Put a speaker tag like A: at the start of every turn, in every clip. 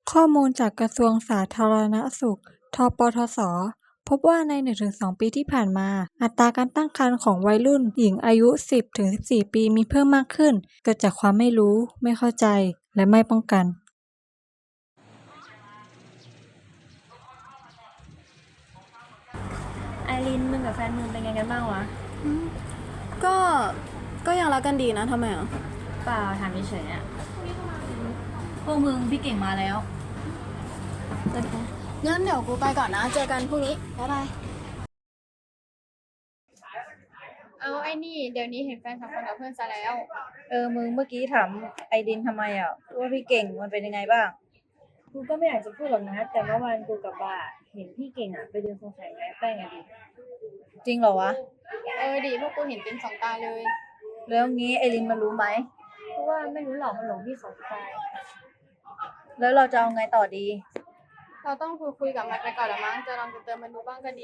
A: ข้อมูลจากกระทรวงสาธารณสุข ทปทศ พบว่าใน 1-2 ปีที่ผ่านมา อัตราการตั้งครรภ์ของวัยรุ่นหญิงอายุ 10-14 ปีมีเพิ่มมากขึ้น เกิดจากความไม่รู้ ไม่เข้าใจ และไม่ป้องกัน
B: ไอรินมึงกับแฟนมึงเป็นไงกันบ้างวะ
C: ก็ก็ยังรักกันดีนะทำไมอ่ะ
B: เปล่าถามเฉยๆอ่ะพวกมึงพี่เก่งมาแล้ว
C: งั้นเดี๋ยวกูไปก่อนนะ เจอกันพรุ่งนี้ บ๊ายบาย
D: เอาไอ้นี่เดี๋ยวนี้เห็นแฟนสองคนกับเพื่อนซะแล้ว
E: มึงเมื่อกี้ถามไอดินทำไมอ่ะว่าพี่เก่งมันเป็นยังไงบ้าง
B: กูก็ไม่อยากจะพูดหรอกนะ แต่เมื่อวานกูกับบ่าเห็นพี่เก่งอ่ะไปเดินสงสัยแม่แป้งอ่ะดิ
E: จริงเหรอวะ
D: ดิพวกกูเห็นเต็มสองตาเลย
E: แล้วงี้ไอรินมันรู้ไหม
B: เพราะว่าไม่รู้หรอกมันหลงพี่เขาตาย
E: แล้วเราจะเอาไงต่อดี
D: เราต้องคุยกับมันไปก่อนละมั้งจะลองจะเติมมันดูบ้างก็ดี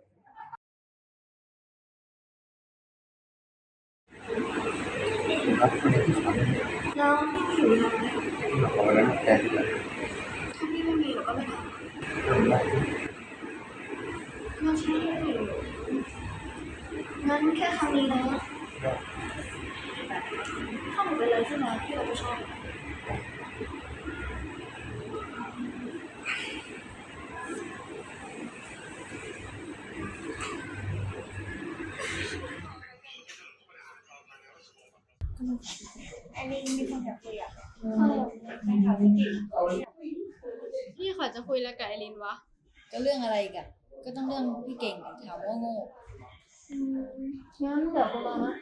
C: แล้วอยู่ยังไง
F: ของนั้นแกที่ไหน
C: ถ้าพี่ไม่มีหนูก็ไม่ทำงั้นใช่งั้นแค่ครั้งนี้นะถ้าหนูเป็นอะไรขึ้นมาพี่ก็จะชอบ
D: พี่ขอจะคุยแล้วกับไอรินวะ
E: ก็เรื่องอะไรอีกันก็ต้องเรื่องพี่เก่งถามว่าโง่
C: งั้นเดี๋ยวกูมานะ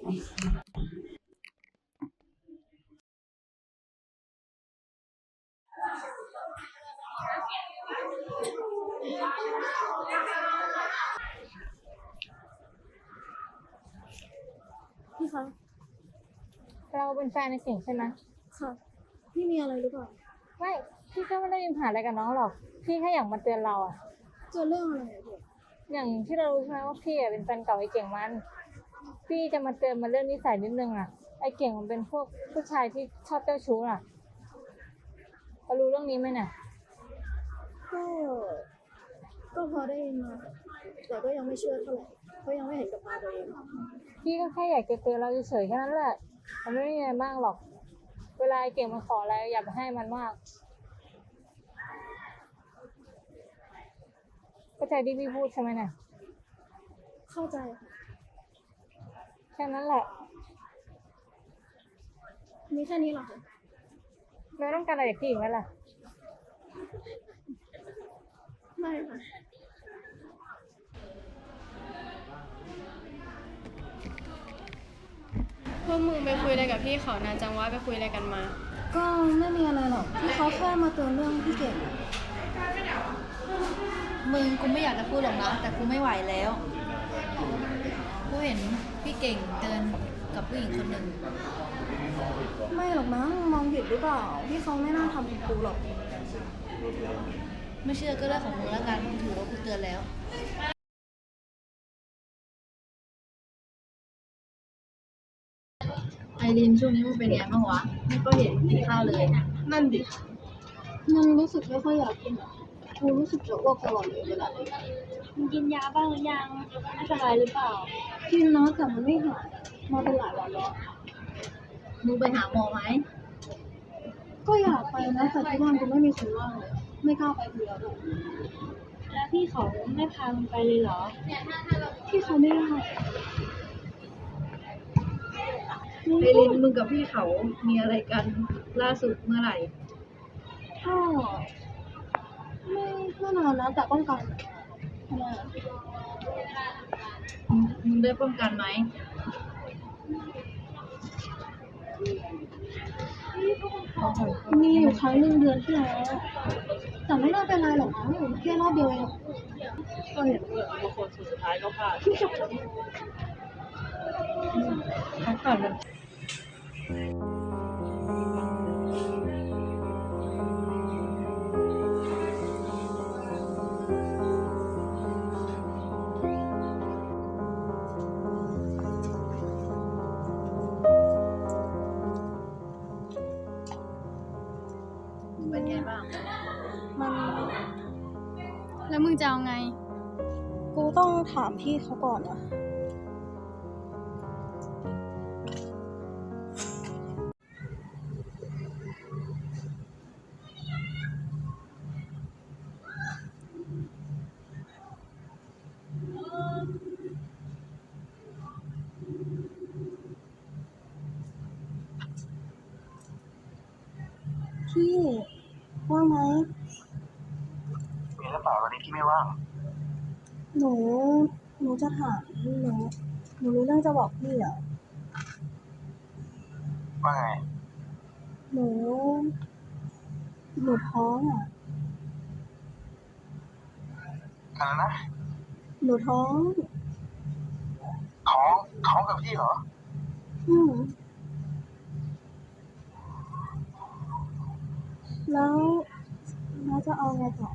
C: พี่คะ
A: เราเป็นแฟนในเก่งใช่ไหม
C: ค่ะ พี่มีอะไรหรือเปล่า
A: ไม่ พี่ก็ไม่ได้มีปัญหาอะไรกับน้องหรอก พี่แค่อยากมาเตือนเราอะ
C: เจอเรื่องอะไรอะพี่
A: อย่างที่เรารู้ใช่ไหมว่าพี่อะเป็นแฟนเก่าไอ้เก่งมัน พี่จะมาเตือนมันเรื่องนิสัยนิดนึงอะไอ้เก่งมันเป็นพวกผู้ชายที่ชอบเจ้าชู้อะเรารู้เรื่องนี้ไหมเนี่ย
C: ก็ก็พอได้ยินมาแต่ก็ยังไม่เชื่อเท่าไหร่เพราะยังไม่เห็นกับตาตัวเอง
A: พี่ก็แค่อยากจะเตือนเราเฉยๆแค่นั้นแหละ มันไม่มีอะไรมากหรอก เวลาไอ้เก่งมันขออะไรอย่าไปให้มันมากเข้าใจที่พี่พูดใช่ไหมเนี่ย
C: เข้าใจค่ะ
A: แค่นั้นแหละ
C: มีแค่นี้เหรอคะ
A: เราต้องการอะไรจากพี่อีกไหมล่ะ
C: ไม่ค่ะ
D: พวกมึงไปคุยอะไรกับพี่เขานานจังวะไปคุยอะไรกันมา
C: ก็ไม่มีอะไรหรอกพี่เขาแค่มาเตือนเรื่องพี่เก่ง
E: มึงกูไม่อยากจะพูดหรอกนะแต่กูไม่ไหวแล้วกูเห็นพี่เก่งเดินกับผู้หญิงคนหนึ่ง
C: ไม่หรอกมั้งมองผิดหรือเปล่าพี่เขาไม่น่าทำกับกูหรอก
E: ไม่เชื่อก็เรื่องของมึงแล้วกันถือว่ากูเตือนแล้วไอรินช่วงนี้มึงเป็นไงบ้างวะไม่ก็เห็นกินข้าวเลย
C: นั่นดิยังรู้สึกไม่ค่อยอยากกินอ่ะกูรู้สึกจะอ้วกตลอดเลยเวลาเลย
B: มึงกินยาบ้างหรือยังไม่สบายหรือเปล่า
C: กินนะแต่มันไม่หายมาเป็นหลายวันแล้ว
E: มึงไปหาหมอไหม
C: ก็อยากไปนะแต่ที่บ้านกูไม่มีคนว่างเลยไม่กล้าไปคนเดียวด้วย
B: แล้วพี่เขาไม่พามึงไปเลยเหรอ
C: พี่เขาไม่ได้
E: ไอรินมึงกับพี่เขามีอะไรกันล่าสุดเมื่อไหร่
C: ก็ไม่นานนะแต่ป้องกันทำไมอะ
E: มึงได้ป้องกันไหม
C: มีอยู่ครั้งหนึ่งเดือนที่แล้วแต่ไม่น่าเป็นไรหรอกมั้งแค่รอบเดียวเอง
E: ก็เห็นเพื่อนบางคนสุดท้ายก็พลาดพักก่อนมันไป
D: แกบ้าง
C: มัน
D: แล้วมึงจะเอาไง
C: กูต้องถามพี่เขาก่อนอะ พี่ว่างไหม
F: มีหรือเปล่าตอนนี้พี่ไม่ว่าง
C: หนูจะถามหนูรู้เรื่องจะบอกพี่อ่ะ
F: ว่าไง
C: หนูท้องอ่ะ
F: อะไรนะ
C: หนูท้อง
F: ท้องกับพี่เหรอ
C: อืมแล้วจะเอาไงต่อ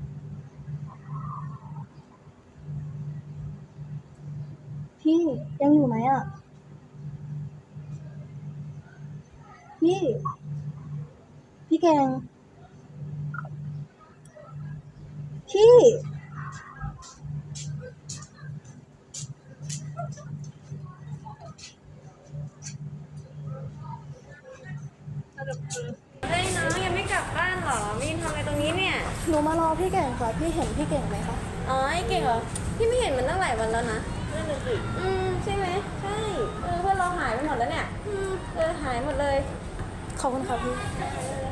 C: พี่ยังอยู่ไหมอ่ะ พี่เก่ง พี่
B: เฮ้ยน้องยังไม่กลับบ้านเหรอมีนทำอะไรตรงนี้เนี่ย
C: หนูมารอพี่เก่งค่ะ พี่เห็นพี่เก่งไหมคะ
B: อ๋อไอ้เก่งเหรอ พี่ไม่เห็นมันตั้งหลายวันแล้วนะนั่นน่ะสิใช่ไหมใช่เพื่อนเราหายไปหมดแล้วเนี่ยหายหมดเลย
C: ขอบคุณค่ะพี่
B: เออ